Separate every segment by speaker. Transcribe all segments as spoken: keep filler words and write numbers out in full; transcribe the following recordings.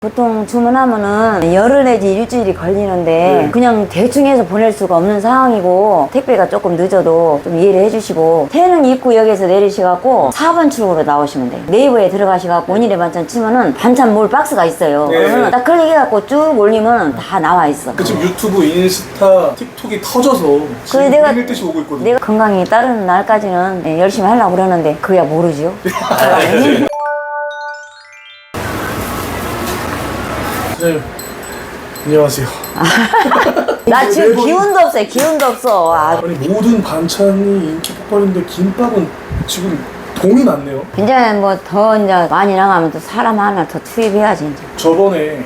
Speaker 1: 보통 주문하면은 열흘 내지 일주일이 걸리는데
Speaker 2: 네.
Speaker 1: 그냥 대충 해서 보낼 수가 없는 상황이고 택배가 조금 늦어도 좀 이해를 해주시고 태릉 입구역에서 내리셔갖고 사 번 출구로 나오시면 돼요. 네이버에 들어가셔갖고 오늘의 반찬 치면은 반찬 몰 박스가 있어요.
Speaker 2: 네.
Speaker 1: 그러면 딱 클릭해갖고 쭉 올리면 다 나와 있어.
Speaker 2: 그 지금 유튜브, 인스타, 틱톡이 터져서 지금
Speaker 1: 그래, 내가-
Speaker 2: 밀릴 듯이 오고 있거든요.
Speaker 1: 내가 건강이 따르는 날까지는 네, 열심히 하려고 그러는데 그야 모르지요.
Speaker 2: 선생님, 안녕하세요.
Speaker 1: 나 지금
Speaker 2: 매번-
Speaker 1: 기운도 없어요. 기운도 없어. 아,
Speaker 2: 아니 모든 반찬이 인기 폭발인데 김밥은 지금 동이 났네요.
Speaker 1: 이제 뭐 더 이제 많이 나가면 또 사람 하나 더 투입해야지 이제.
Speaker 2: 저번에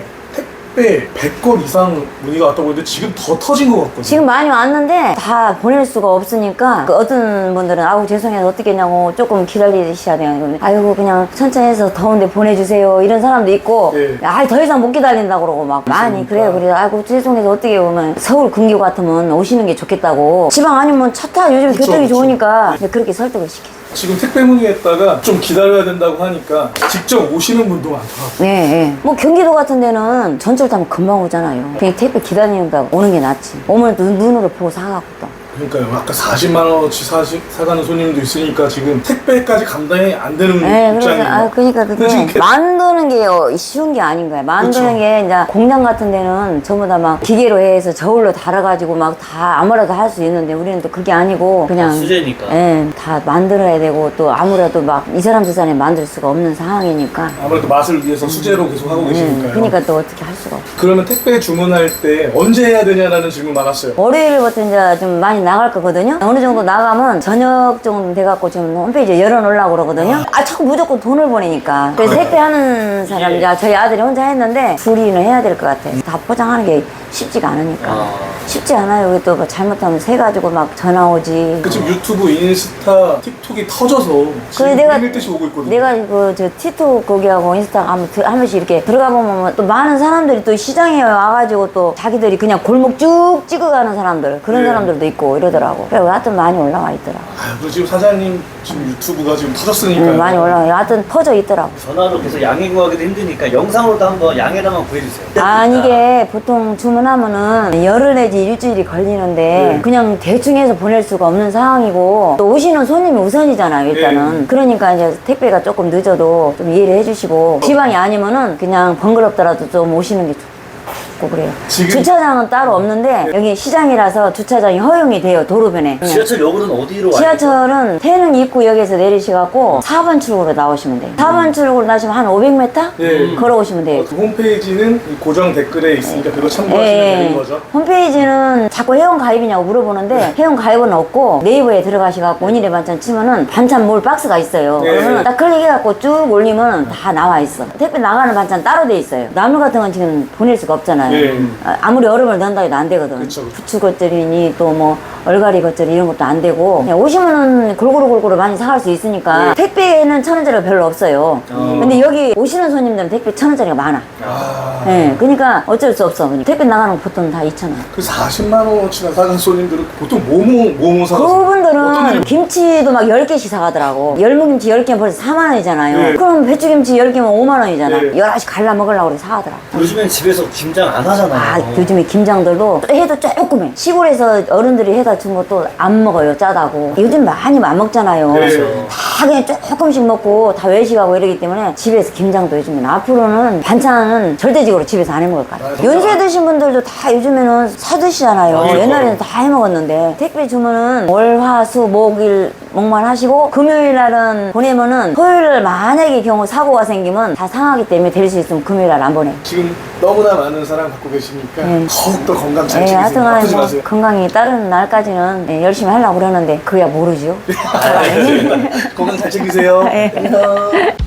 Speaker 2: 택배 백 건 이상 문의가 왔다고 했는데 지금 더 터진 것 같거든요.
Speaker 1: 지금 많이 왔는데 다 보낼 수가 없으니까 그 어떤 분들은 아우 죄송해서 어떻게 했냐고 조금 기다리셔야 돼요. 아이고 그냥 천천히 해서 더운데 보내주세요 이런 사람도 있고
Speaker 2: 네.
Speaker 1: 아 더 이상 못 기다린다고 그러고 막 많이 그래요. 그래 아이고 죄송해서 어떻게 오면 서울 근교 같으면 오시는 게 좋겠다고 지방 아니면 차 타 요즘
Speaker 2: 그쵸,
Speaker 1: 교통이
Speaker 2: 그쵸.
Speaker 1: 좋으니까 근데 그렇게 설득을 시켜.
Speaker 2: 지금 택배 문의했다가 좀 기다려야 된다고 하니까 직접 오시는 분도 많더라고요.
Speaker 1: 네, 네. 뭐 경기도 같은 데는 전철 타면 금방 오잖아요. 그냥 택배 기다리는다 오는 게 낫지. 오면 눈, 눈으로 보고 사갖고 또.
Speaker 2: 그러니까요. 아까 사십만 원어치 사시, 사가는 손님도 있으니까 지금 택배까지 감당이 안 되는
Speaker 1: 네, 그래서
Speaker 2: 입장이에요.
Speaker 1: 아 그러니까
Speaker 2: 근데 지금
Speaker 1: 그게
Speaker 2: 개-
Speaker 1: 만드는 게 어, 쉬운 게 아닌 거야. 만드는
Speaker 2: 그쵸.
Speaker 1: 게 이제 공장 같은 데는 전부 다 막 기계로 해서 저울로 달아가지고 막 다 아무래도 할 수 있는데 우리는 또 그게 아니고 그냥
Speaker 3: 수제니까.
Speaker 1: 예, 다 만들어야 되고 또 아무래도 막 이 사람 저 사람이 만들 수가 없는 상황이니까.
Speaker 2: 아무래도 맛을 위해서 수제로 계속 하고
Speaker 1: 예,
Speaker 2: 계시니까요.
Speaker 1: 그러니까 또 어떻게 할 수가 없어.
Speaker 2: 그러면 택배 주문할 때 언제 해야 되냐라는 질문 많았어요.
Speaker 1: 월요일부터 이제 좀 많이 나갈 거거든요. 어느 정도 나가면 저녁 정도 돼갖고 지금 홈페이지에 열어놓으려고 그러거든요. 아, 자꾸 무조건 돈을 보내니까. 그래서 택배하는 사람, 이제 저희 아들이 혼자 했는데 둘이는 해야 될 것 같아. 다 포장하는 게 쉽지가 않으니까.
Speaker 3: 아.
Speaker 1: 쉽지 않아요. 여기 또뭐 잘못하면 새가지고 막 전화 오지.
Speaker 2: 그 지금 유튜브, 인스타, 틱톡이 터져서
Speaker 1: 그래
Speaker 2: 지금
Speaker 1: 내가
Speaker 2: 밀릴 듯이 오고 있거든요.
Speaker 1: 내가 그저 티톡 거기하고 인스타 한번 들- 한 번씩 이렇게 들어가 보면 또 많은 사람들이 또 시장에 와가지고 또 자기들이 그냥 골목 쭉 찍어가는 사람들 그런
Speaker 2: 네.
Speaker 1: 사람들도 있고 이러더라고. 그래 하여튼 많이 올라와 있더라고.
Speaker 2: 아유, 그 지금 사장님 지금 유튜브가 지금 터졌으니까요.
Speaker 1: 음, 많이 올라와. 하여튼 퍼져 있더라고.
Speaker 3: 전화로 계속 양해 구하기도 힘드니까 영상으로도 한번 양해라만 구해주세요.
Speaker 1: 아, 이게 보통 주문하면은 열흘 내지 일주일이 걸리는데
Speaker 2: 네.
Speaker 1: 그냥 대충 해서 보낼 수가 없는 상황이고 또 오시는 손님이 우선이잖아요, 일단은.
Speaker 2: 네.
Speaker 1: 그러니까 이제 택배가 조금 늦어도 좀 이해를 해주시고 지방이 아니면은 그냥 번거롭더라도 좀 오시는 게 좋고 그래요.
Speaker 2: 지금-
Speaker 1: 주차장은 따로 없는데 여기 시장이라서 주차장이 허용이 돼요, 도로변에. 그냥.
Speaker 3: 지하철역으로는 어디로 와요?
Speaker 1: 지하철은 태릉 입구역에서 내리셔갖고 사 번 출구로 나오시면 돼요. 사 번 출구로 나시면 한 오백 미터?
Speaker 2: 네.
Speaker 1: 걸어오시면 돼요.
Speaker 2: 어, 그 홈페이지는 이 고정 댓글에 있으니까 그거 참고하시면
Speaker 1: 예,
Speaker 2: 되는 거죠.
Speaker 1: 홈페이지는 자꾸 회원 가입이냐고 물어보는데 회원 가입은 없고 네이버에 들어가셔갖고 오늘의 반찬 치면은 반찬 몰 박스가 있어요.
Speaker 2: 네.
Speaker 1: 그러면 딱 클릭해갖고 쭉 올리면 다 나와 있어. 택배 나가는 반찬 따로 돼 있어요. 나물 같은 건 지금 보낼 수가 없잖아요.
Speaker 2: 네.
Speaker 1: 아, 아무리 얼음을 넣는다 해도 안 되거든.
Speaker 2: 그쵸, 그쵸.
Speaker 1: 부추 겉절이니 또 뭐 얼갈이 겉절이 이런 것도 안 되고 그냥 오시면은 골고루 골고루 많이 사갈 수 있으니까
Speaker 2: 네.
Speaker 1: 택배에는 천 원짜리가 별로 없어요.
Speaker 3: 어.
Speaker 1: 근데 여기 오시는 손님들은 택배 천 원짜리가 많아.
Speaker 2: 아,
Speaker 1: 네, 그러니까 어쩔 수 없어. 그냥 택배 나가는 거 보통 다 이천 원.
Speaker 2: 그 사십만 원어치나 사는 손님들은 보통 뭐뭐 뭐뭐 사가세요? 어떤
Speaker 1: 그분들은
Speaker 2: 일을-
Speaker 1: 김치도 막 열 개씩 사가더라고. 열무김치 열 개면 벌써 사만 원이잖아요.
Speaker 2: 네.
Speaker 1: 그럼 배추김치 열 개면 오만 원이잖아.
Speaker 2: 네.
Speaker 1: 열 알씩 갈라 먹으려고 그래 사가더라고.
Speaker 3: 요즘엔 집에서 김장 안 하잖아요.
Speaker 1: 아, 요즘에 김장들도 해도 조금 해. 시골에서 어른들이 해다 준 것도 안 먹어요, 짜다고. 요즘 많이 안 먹잖아요.
Speaker 2: 네.
Speaker 1: 다 그냥 조금씩 먹고 다 외식하고 이러기 때문에 집에서 김장도 요즘엔 앞으로는 반찬은 절대적으로 집에서 안 해 먹을 것 같아요.
Speaker 2: 아,
Speaker 1: 연세 드신 분들도 다 요즘에는 사 드시잖아요.
Speaker 2: 맞아요.
Speaker 1: 옛날에는 다 해 먹었는데 택배 주문은 월, 화, 수, 목일 목만 하시고 금요일 날은 보내면은 토요일 날 만약에 경우 사고가 생기면 다 상하기 때문에 될 수 있으면 금요일 날 안 보내.
Speaker 2: 지금 너무나 많은 사랑 갖고 계시니까
Speaker 1: 네.
Speaker 2: 더욱더 건강 잘
Speaker 1: 예,
Speaker 2: 챙기세요.
Speaker 1: 하여튼
Speaker 2: 아프지
Speaker 1: 뭐
Speaker 2: 마세요.
Speaker 1: 건강이 따르는 날까지는 예, 열심히 하려고 그러는데 그야 모르지요.
Speaker 2: 건강 잘 챙기세요.
Speaker 1: 예.
Speaker 2: 안녕.